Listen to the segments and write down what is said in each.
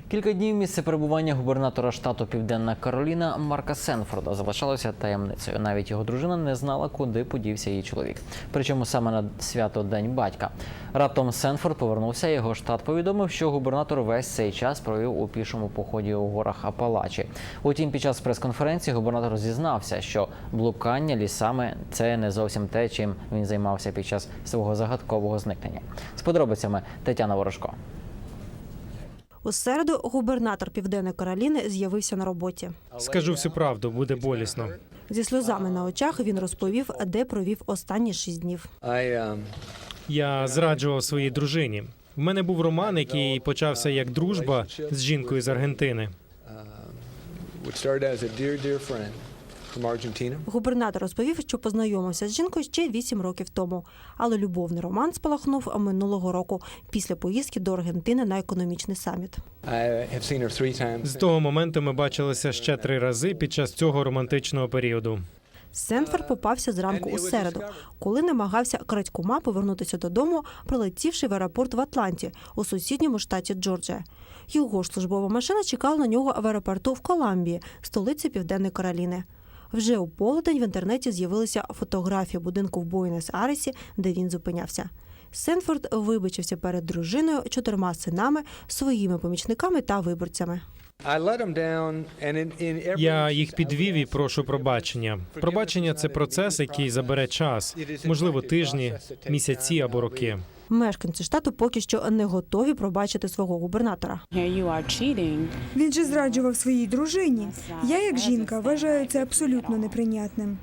Кілька днів місце перебування губернатора штату Південна Кароліна Марка Сенфорда залишалося таємницею. Навіть його дружина не знала, куди подівся її чоловік. Причому саме на свято День батька. Раптом Сенфорд повернувся, його штат повідомив, що губернатор весь цей час провів у пішому поході у горах Апалачі. Утім, під час прес-конференції губернатор зізнався, що блукання лісами – це не зовсім те, чим він займався під час свого загадкового зникнення. З подробицями Тетяна Ворожко. У середу губернатор Південної Кароліни з'явився на роботі. Скажу всю правду, буде болісно. Зі сльозами на очах він розповів, де провів останні 6 днів. Я зраджував своїй дружині. В мене був роман, який почався як дружба з жінкою з Аргентини. Губернатор розповів, що познайомився з жінкою ще 8 років тому. Але любовний роман спалахнув минулого року після поїздки до Аргентини на економічний саміт. З того моменту ми бачилися ще 3 рази під час цього романтичного періоду. Сенфорд попався зранку у середу, коли намагався крадькома повернутися додому, прилетівши в аеропорт в Атланті, у сусідньому штаті Джорджія. Його ж службова машина чекала на нього в аеропорту в Коламбії, столиці Південної Кароліни. Вже у полудень в інтернеті з'явилися фотографії будинку в Буенос-Айресі, де він зупинявся. Сенфорд вибачився перед дружиною, 4 синами, своїми помічниками та виборцями. Я їх підвів і прошу пробачення. Пробачення – це процес, який забере час, можливо, тижні, місяці або роки. Мешканці штату поки що не готові пробачити свого губернатора. Він же зраджував своїй дружині. Я, як жінка, вважаю це абсолютно неприйнятним.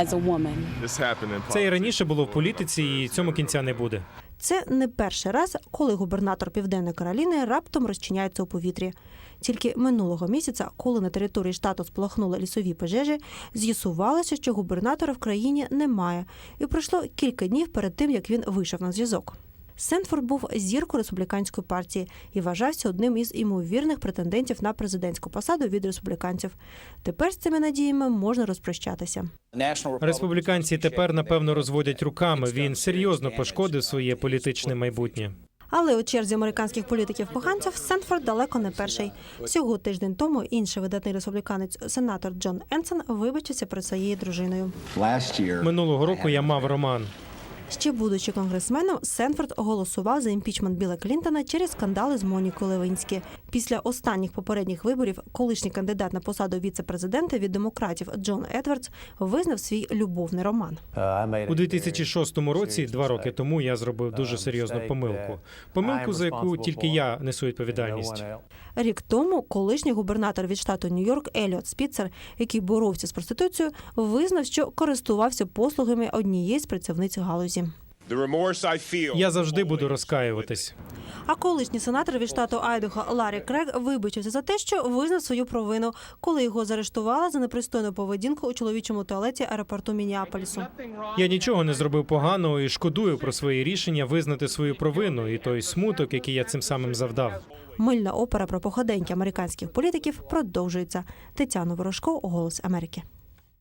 Це і раніше було в політиці, і цьому кінця не буде. Це не перший раз, коли губернатор Південної Кароліни раптом розчиняється у повітрі. Тільки минулого місяця, коли на території штату спалахнули лісові пожежі, з'ясувалося, що губернатора в країні немає. І пройшло кілька днів перед тим, як він вийшов на зв'язок. Сенфорд був зіркою республіканської партії і вважався одним із ймовірних претендентів на президентську посаду від республіканців. Тепер з цими надіями можна розпрощатися. Республіканці тепер, напевно, розводять руками. Він серйозно пошкодив своє політичне майбутнє. Але у черзі американських політиків-поганців Сенфорд далеко не перший. Всього тиждень тому інший видатний республіканець, сенатор Джон Енсон, вибачився перед своєю дружиною. Минулого року я мав роман. Ще будучи конгресменом, Сенфорд голосував за імпічмент Білла Клінтона через скандали з Монікою Левінські. Після останніх попередніх виборів колишній кандидат на посаду віце-президента від демократів Джон Едвардс визнав свій любовний роман. У 2006 році, 2 роки тому, я зробив дуже серйозну помилку. Помилку, за яку тільки я несу відповідальність. Рік тому колишній губернатор від штату Нью-Йорк Еліот Спіцер, який боровся з проституцією, визнав, що користувався послугами однієї з працівниць галузі. Я завжди буду розкаюватись. А колишній сенатор від штату Айдахо Ларрі Крейг вибачився за те, що визнав свою провину, коли його заарештували за непристойну поведінку у чоловічому туалеті аеропорту Міннеаполісу. Я нічого не зробив поганого і шкодую про своє рішення визнати свою провину і той смуток, який я цим самим завдав. Мильна опера про походеньки американських політиків продовжується. Тетяна Ворожко, «Голос Америки».